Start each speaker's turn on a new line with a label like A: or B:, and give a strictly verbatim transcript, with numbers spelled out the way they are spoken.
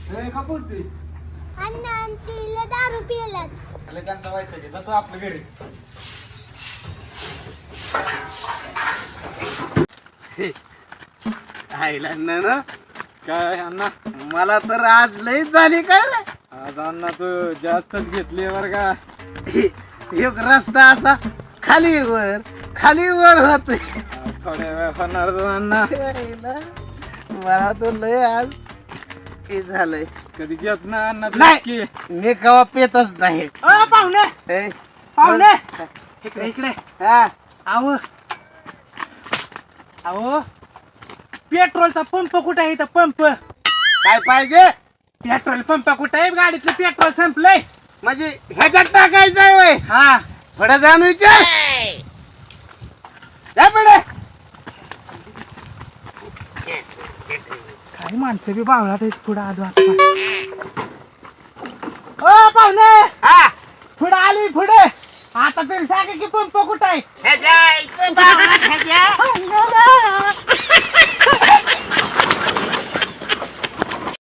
A: का बोलतोय
B: अण्णा तिला दारू पिलात
A: त्यांचा व्हायचं की जातो आपल्या घरी.
C: आईला ना
A: काय अण्णा
C: मला तर आज लई झाली काय रे.
A: आज अण्णा तू जास्तच घेतली बर का.
C: एक रस्ता असा खाली वर खाली वर होतोय.
A: थोड्या वेळ होणार तो अण्णा.
C: मला तर लय आज हे झालंय.
A: कधी घेत ना अण्णा तू
C: नाही.
A: की.
C: मी कवा पेतच नाही.
D: अ पाहुणे
C: हे,
D: पाहुणे इकडे इकडे
C: हा
D: आव आव पेट्रोलचा पंप कुठे आहे इथं पंप
C: काय पाहिजे
D: पेट्रोल पंप कुठे आहे गाडीतलं पेट्रोल संपलंय
C: म्हणजे ह्याच्यात टाकायचंय वय.
D: हा
C: पुढे जाऊन विचार जा पुढे.
D: काही माणसं बी बावळात आहेत पुढे आलो आता. ओ पाहुणे
C: हा
D: पुढे आली पुढे आता तरी सांगा की पंप कुठे आहे
C: ह्याच्या इथं बावळा ह्याच्या.